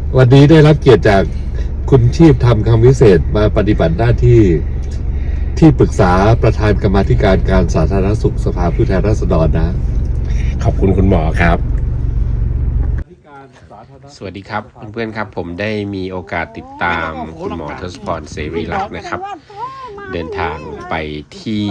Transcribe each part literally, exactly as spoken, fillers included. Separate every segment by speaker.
Speaker 1: วันนี้ได้รับเกียรติจากคุณชีพทำคำวิเศษมาปฏิบัติหน้าที่ที่ปรึกษาประธานกรรมาธิการการสาธารณสุขสภาผู้แทนราษฎรนะ
Speaker 2: ขอบคุณคุณหมอครับสวัสดีครับเพื่อนๆครับผมได้มีโอกาสติดตามคุณหมอทศพรเสรีลักษณ์นะครับเดินทางไปที่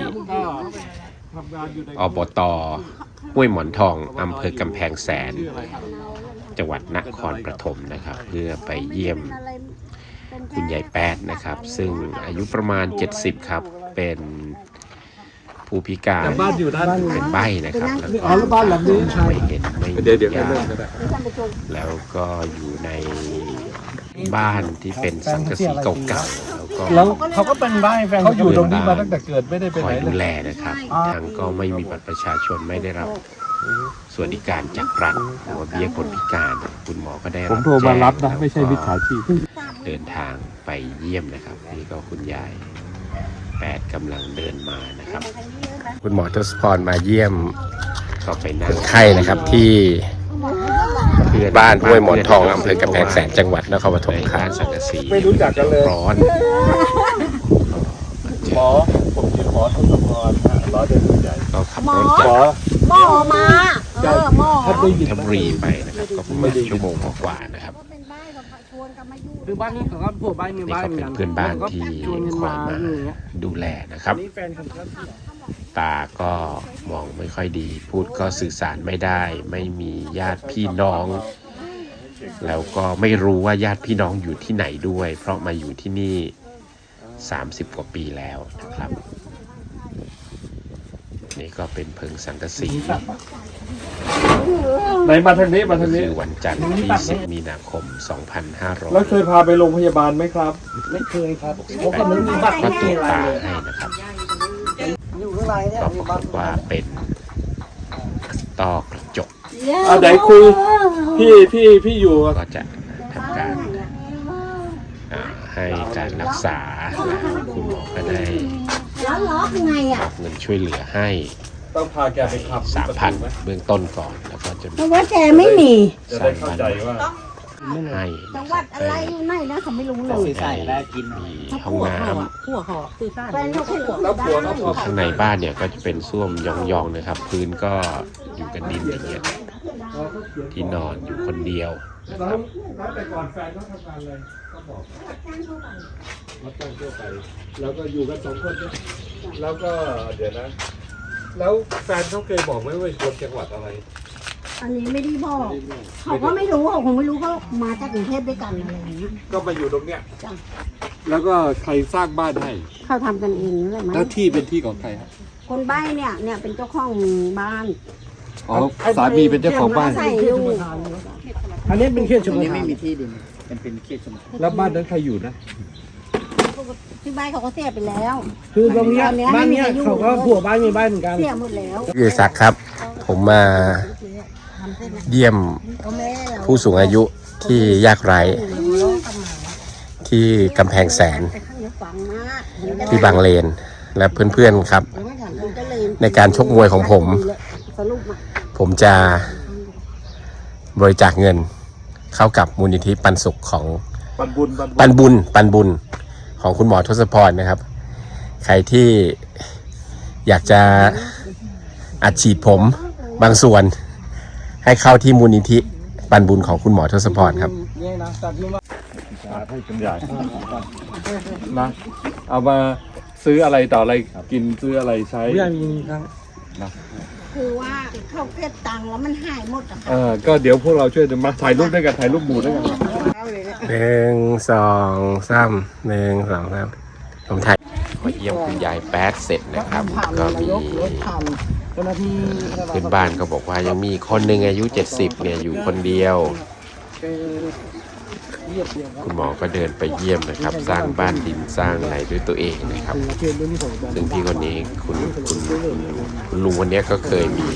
Speaker 2: อบต.ห้วยหมอนทองอำเภอกำแพงแสนจังหวัดนครปฐมนะครับเพื่อไปเยี่ยมคุณยายแป๊ดนะครับซึ่งอายุประมาณเจ็ดสิบครับเป็นผู้พิการเป็นใบ้นะครับแล้วก็ไม่เห็นไม่มีญาติแล้วก็อยู่ในบ้านที่เป็นสังกะสีเก่าๆแล้วก็
Speaker 3: เขาก็เป็นใบ้แฟนเขาอยู่ตรงนี้มาตั้งแต่เกิดไม่ได้ไปไหน
Speaker 2: คอยดูแลนะครับทางก็ไม่มีบัตรประชาชนไม่ได้รับสวัสดิการจากรัฐหรือว่าเบี้ยคนพิการคุณหมอก็ได้รับผมโทรมารับนะไม่ใช่มิจฉาชีพเดินทางไปเยี่ยมนะครับนี่ก็คุณยายแปดกำลังเดินมานะครับคุณหมอทศพรมาเยี่ยมก็ไปนั่งคนไข้นะครับที่บ้านห้วยหมอนทองอำเภอกำแพงแสนจังหวัดนครปฐมครับสังกะสี
Speaker 3: ไม่รู้จักกันเลย
Speaker 2: ร้อน
Speaker 3: หมอผมชื่อหมอทศพรร้อยเดือนใหญ่
Speaker 2: ก็ขับรถจาก
Speaker 4: หมอมาเออหมอ
Speaker 2: ทับรีไปนะครับก็ประมาณชั่วโมงกว่านะครับ
Speaker 3: คือบ้านนี้เขาก็พวกบ้านมีบ้าน
Speaker 2: นี่ก็เป็นเพื่อนบ้านที่คอยมาดูแลนะครับตาก็มองไม่ค่อยดีพูดก็สื่อสารไม่ได้ไม่มีญาติพี่น้องแล้วก็ไม่รู้ว่าญาติพี่น้องอยู่ที่ไหนด้วยเพราะมาอยู่ที่นี่สามสิบกว่าปีแล้วนะครับนี่ก็เป็นเพิงสังกะสี
Speaker 3: ไหนมาทางนี้มาทางนี้
Speaker 2: คือวันจันทร์ที่สิบมีนาคมสองพันห้าร้อย
Speaker 3: แล้วเคยพาไปโรงพยาบาลไหมครับไม่เคยครับ
Speaker 2: เพราะไม่มีบัตรก็ตรวจตาให้นะครับก็ปรากฏว่าเป็นต้อกระจก
Speaker 3: อ่ะไหนคุยพี่พี่พี่อยู่
Speaker 2: ก็จะทำการให้การรักษาแล้วคุณหมอก็ได้มอบเงินช่วยเหลือให้
Speaker 3: ต้องพาแกไปขับ
Speaker 2: สามพันเบื้องต้นก่อนแล้วก็จะ
Speaker 4: เพราะว่าแกไม่มี
Speaker 3: จะได้เข้าใจว่า
Speaker 2: ให้
Speaker 4: จังหวัดอะไรอยู่ไหนนะเขาไม่รู้เลย
Speaker 2: ใส่แล้วกินมีห้องน้ำ
Speaker 4: หัวหอสื่อสารแฟนเขาหัว
Speaker 3: แล้วหัวเขาหัว
Speaker 2: ข้างในบ้านเนี่ยก็จะเป็นส้วมยองๆนะครับพื้นก็อยู่กันดินอย่างเงี้ยที่นอนอยู่คนเดียวนะครับ
Speaker 3: แต่ก่อนแฟนเขาทำงานอะไรก็บอกรับจ้างทั่วไปแล้วก็อยู่กันสองคนเนี่ยแล้วก็เดี๋ยวนะแล้วแฟนเขาเคยบอกไหมว่าคนจังหวัดอะไร
Speaker 4: อันนี้ไม่ได้บอกเขาก็ไม่รู้เขาคงไม่รู้เขามาจากกรุงเทพด้วยกันอะไรอย่างเงี้ย
Speaker 3: ก็มาอยู่ตรงเนี้ยแล้วก็ใครสร้างบ้านให้
Speaker 4: เขาทำกันเองนั่นแหละมั้ง
Speaker 3: แล้วที่เป็นที่ของใครครับ
Speaker 4: คนใบ้เนี่ยเนี่ยเป็นเจ้าของบ้าน
Speaker 3: อ๋อสามีเป็นเจ้าของบ้านอันนี้เป็นเขตชุมชน
Speaker 5: ไม่มีที่ดินเป็นเป็นเขตชุมชน
Speaker 3: แล้วบ้านนั้นใครอยู่นะ
Speaker 4: ที่บ้านเขาก็เสียไปแล้ว
Speaker 3: คือตรงนี้บ้านนี้เขาก็ผัวบ้านมีบ้านเหมือนกัน
Speaker 4: เสียหมดแล้ว
Speaker 2: พี่ศักดิ์ครับผมมาเยี่ยมผู้สูงอายุที่ยากไร้ที่กำแพงแสนที่บางเลนและเพื่อนๆครับในการชกมวยของผมผมจะบริจาคเงินเข้ากับมูลนิธิปันสุขของ
Speaker 3: ปันบุญ
Speaker 2: ปันบุญปันบุญของคุณหมอทศพรนะครับใครที่อยากจะอัดฉีดผมบางส่วนให้เข้าที่มูลนิธิปันบุญของคุณหมอทศพรครับ
Speaker 3: ให้เป็นใหญ่นะเอามาซื้ออะไรต่ออะไรกินซื้ออะไรใช้ไม่มีครับนะ
Speaker 4: คือว่าเขาเก็บตังค์แล้วมันหายหมดอ่ะ
Speaker 3: เออก็เดี๋ยวพวกเราช่วยมาถ่ายรูปด้วยกันถ่ายรูปหมู่ด้วยกัน
Speaker 2: หนึ่งสองสามหนึ่งสองสามผมถ่ายมาเยี่ยมคุณยายแป๊ดเสร็จนะครับก็มีเพื่อนบ้านก็บอกว่ายังมีคนหนึ่งอายุเจ็ดสิบเนี่ยอยู่คนเดียวคุณหมอก็เดินไปเยี่ยมนะครับสร้างบ้านดินสร้างอะไรด้วยตัวเองนะครับซึ่งพี่คนนี้คุณคุณคุณลุงคนนี้ก็เคยมี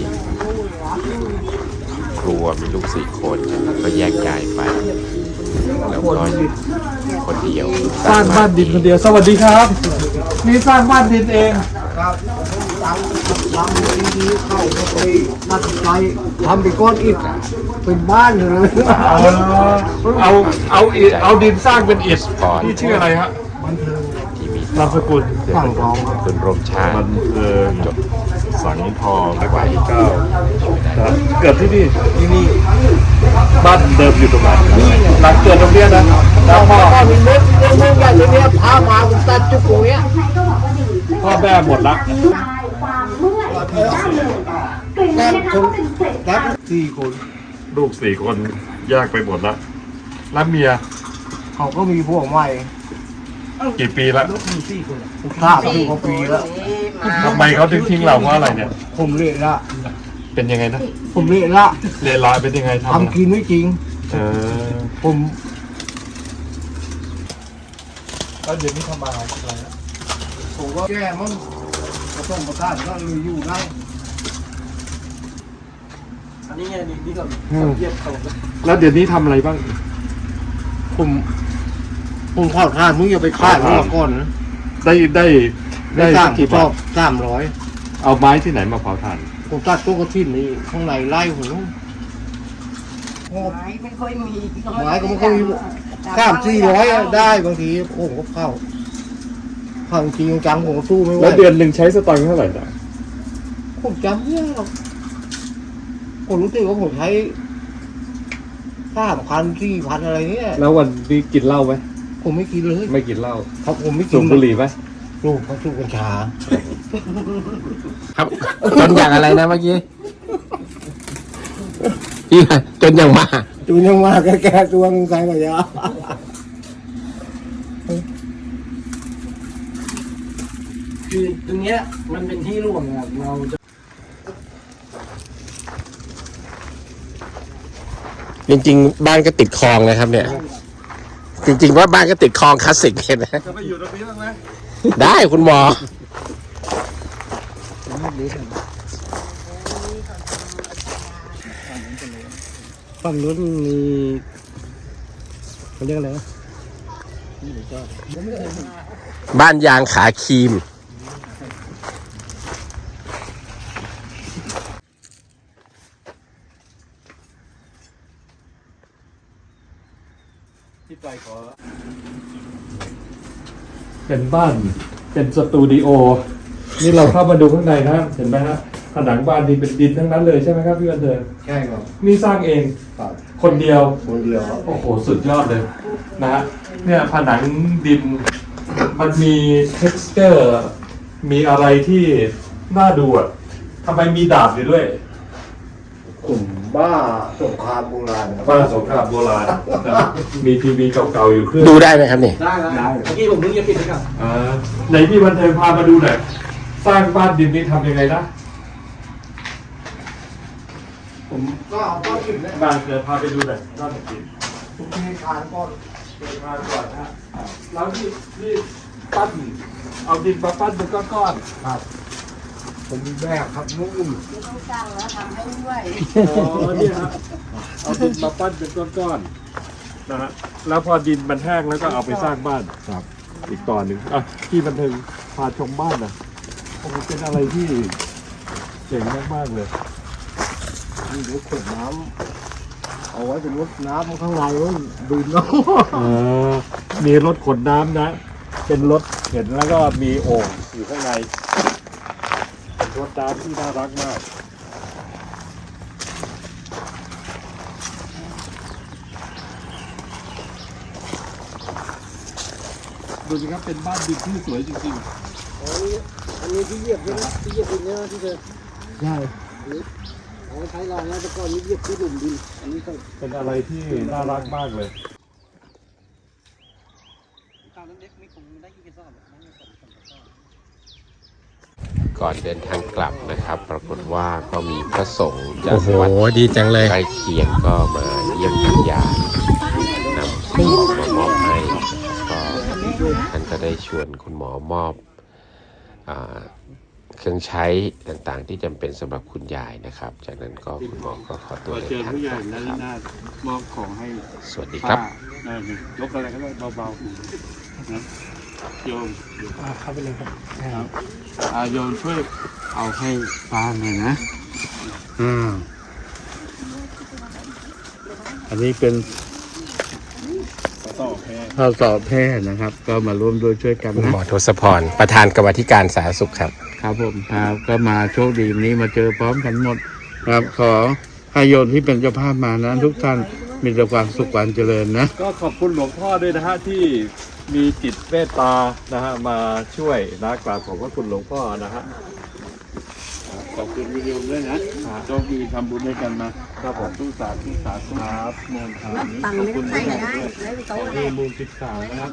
Speaker 2: ครัวมีลูกสี่คนก็แยกย้ายไปแล้วก็คนเดียว
Speaker 3: สร้างบ้านดินคนเดียวสวัสดีครับนี่สร้างบ้านดินเองครับทำดีๆเข้าไปตัดไฟทำไปก้อนอิฐ
Speaker 6: เป็นบ้านเลย
Speaker 3: เอาเอาเอาอิฐเอาดินสร้างเป็นอิฐที่ชื่ออะไรฮะ
Speaker 2: ที่มี
Speaker 3: นามสกุล
Speaker 6: ฝั่งทองครับ
Speaker 2: คุณร่วมชาติ
Speaker 3: มันเออจดสังทองในวัยที่เก้านะเกิดที่นี่ที่นี่บ้านเดิมอยู่ตรงไหนหลังเกิดตรงเนี้ยนะแล้วพ่อ
Speaker 6: ก็มีรถเรื่องใหญ่เลยเนี่ยพามาผมตัดจุกตรงเนี้ย
Speaker 3: พ่อแม่หมดละ
Speaker 6: แค่คนแค่สี่คน
Speaker 3: ลูกสี่คนแยกไปหมดละแล้วเมีย
Speaker 6: เขาก็มีพวกใหม่
Speaker 3: กี่ปีละ
Speaker 6: ข้ามสี่กว่าปีแล้ว
Speaker 3: ทำไมเขาถึงทิ้งเราเพราะอะไรเนี่ย
Speaker 6: ผมเละละ
Speaker 3: เป็นยังไงนะ
Speaker 6: ผมเละละ
Speaker 3: เลวร้ายเป็นยังไงทำ
Speaker 6: ทำกินไม่จริง
Speaker 3: เออ
Speaker 6: ผม
Speaker 3: แล้วเดี๋ยวนี้ทำมาอะไรนะ
Speaker 6: ผมก็แก้มั้งผสมประทานก็เลยอยู่ได้ อันนี้ไงนี่นี่ก็เยียบเขา
Speaker 3: แล้วเดี๋ยวนี้ทำอะไรบ้าง
Speaker 6: ผมผมข้าวทานมึงอย่าไปฆ่ามึงมาก่อนนะ
Speaker 3: ได้ได้
Speaker 6: ได้
Speaker 3: ได้
Speaker 6: สร้า
Speaker 3: สั
Speaker 6: ง
Speaker 3: กกี่
Speaker 6: ช
Speaker 3: บา
Speaker 6: อ
Speaker 3: ท
Speaker 6: บสามร้อย
Speaker 3: เอาไม้ที่ไหนมาเผาถ่าน
Speaker 6: ผมตัดต้นกระถิ่นนี่ข้างในไล่ผมนู้น
Speaker 4: ไม้ไม่ค่อยมี
Speaker 6: ไม้ก็ไม่ค่อยมีสามสี่ร้อยได้บางทีผมก็เข้าเข้าจริงจังผมก็สู้ไม่ไหว
Speaker 3: แล้วเดือนหนึ่งใช้สตางค์เท่าไหร่นะ
Speaker 6: ผมจำไม่ได้หรอกผมรู้สึกว่าผมใช้สามพันสี่พันอะไรเนี่ย
Speaker 3: แล้ววันนี้กินเหล้าไหม
Speaker 6: ผมไม่กินเลย
Speaker 3: ไม่กินเหล้า
Speaker 6: เพราะผมไม่กิ
Speaker 3: สู
Speaker 6: น
Speaker 3: บบุหรี่ไหม
Speaker 6: ลูกเขาสูบกัญชา
Speaker 2: ครับจนอย่างอะไรนะเมื่อกี้พี่จนอย่างมา
Speaker 6: จูนยังมาแก่ๆตัวมึงใครมายา
Speaker 5: คือตรงเนี้ยมันเป็นที่ร่วมนะครับเราจะ
Speaker 2: จริงๆ บ้านก็ติดคลองนะครับ เนี่ย จริง ๆ ว่าบ้านก็ติดคลองคลาสสิกเลยนะ
Speaker 3: จะไปอยู่ตรงนี้บ้างไหม
Speaker 2: ได้คุณหมอ
Speaker 6: ฝั่งนู้นมีเขาเรียกอะไรนะ
Speaker 2: บ้านยางขาครีม
Speaker 3: ที่ใจขอเป็นบ้านเป็นสตูดิโอนี่เราเข้ามาดูข้างในนะเห็นไหมฮะผนังบ้านนี่เป็นดินทั้งนั้นเลยใช่ไหมครับพี่วันเดิน
Speaker 6: ใช่ครับ
Speaker 3: นี่สร้างเองคนเดียว
Speaker 6: คนเดียวครับ
Speaker 3: โอ้โห สุดยอดเลยนะฮะเนี่ยผนังดินมันมี texture มีอะไรที่น่าดูอ่ะทำไมมีดาบอยู่ด้วย
Speaker 6: ผมบ้าสงครามโบราณครับ
Speaker 3: บ้านสงครามโบราณนะมีทีวีเก่าๆอยู่เครื่อง
Speaker 2: ดูได้ไหมครับเนี่ย
Speaker 5: ได้ได้เมื่อกี้ผมนึกจะปิดไปก่อน
Speaker 3: อ่าไหนพี่วันเทิงพามาดูหน่อยสร้างบ้านดินนี่ทำยังไงนะ
Speaker 6: ผมก็เอาก้อนหินเนี่ย
Speaker 3: บ้านเดี๋ยวพาไปดูหน่อยบ้านดิน
Speaker 6: ผมเททานก้อน
Speaker 3: เดินมาก่อนนะฮะแล้วนี่นี่ปั้นเอาดินมาปั้นเป็นก้อนๆ
Speaker 6: ครับ ผมมีแบกครับนุ่ม
Speaker 4: ต้องจ้างแล้วทำให้ด้วย
Speaker 3: อ๋อเนี่ยฮะเอาดินมาปั้นเป็นก้อนๆนะฮะแล้วพอดินมันแห้งแล้วก็เอาไปสร้างบ้านครับ อีกตอนหนึ่งอ่ะที่บันเทิงพาชมบ้านนะโอ้โหเป็นอะไรที่เจ๋งมากๆเลย
Speaker 6: มีรถขวดน้ำเอาไว้เป็นรถน้ำข้างในนู้นดื่มน้
Speaker 3: เออมีรถขนน้ำนะ เป็นรถเห็นแล้วก็มีโอ่งอยู่ข้างในเป็นรถน้ำที่น่ารักมากดูสิครับเป็นบ้านดินที่สวยจริงๆ
Speaker 6: ำอันนี้ที่เหยียบด้วยนะที่เหยียบดินเนี่ยที่เธอใช่เอาไว้ใช้รางแล้วแต่ก่อนนี้เหยียบที่หลุมดิน อันนี้ก็
Speaker 3: เป็นอะไรที่น่ารักมากเลย
Speaker 5: ตอนนั้นเด็กไม่คงได้กี่กระสอบหรอกไม่สองสามกระสอบ
Speaker 2: ก่อนเดินทางกลับนะครับ ปรากฏว่าก็มีพระสงฆ์จาก
Speaker 7: โอ้โห
Speaker 2: วัด
Speaker 7: ดีจังเลย
Speaker 2: ใกล้เคียงก็มาเยี่ยมคุณยายนำของมามอบให้ก็ท่านก็ได้ชวนคุณหมอมอบอ่าเครื่องใช้ต่างๆ ที่จำเป็นสำหรับคุณยายนะครับ จากนั้นก็คุณหมอก็ขอตัวเดินทางกลับนะครับ
Speaker 5: มอบของให้
Speaker 2: สวัสดีครับ
Speaker 5: ป้าเออยกอะไรก็ได้เบาๆนะโยม
Speaker 6: เข้าไปเลยครับ
Speaker 5: ครับอ่าโยมช่วยเอาให้ป้าหน่อยนะ
Speaker 2: อืม
Speaker 5: อันนี้เป็น
Speaker 6: ต่อแพร่
Speaker 5: ข้าวสอบแพทย์นะครับ ก็มาร่วมด้วยช่วยกัน
Speaker 2: คุณ
Speaker 5: นะ
Speaker 2: หมอทศพรประธานกรรมาธิการสาธารณสุขครับ
Speaker 5: ครับผมครับก็มาโชคดีวันนี้มาเจอพร้อมกันหมดครับขอให้โยมที่เป็นเจ้าภาพมานะทุกท่านมีแต่ความสุขความเจริญนะ
Speaker 3: ก็ขอบคุณหลวงพ่อด้วยนะฮะที่มีจิตเมตตานะฮะมาช่วยนะกราบขอบพระคุณหลวงพ่อนะฮะ
Speaker 5: ขอบคุณวิดีโอด้วยนะโชคดีทำบุญด้วยกันนะครับผมทุกสาธุสาธุครับมนต์ครับ
Speaker 4: ตังค์ไม่ต้องใช้ก็ได้แล้วไปโต๊ะ
Speaker 3: มีมูลสิบสามนะครับ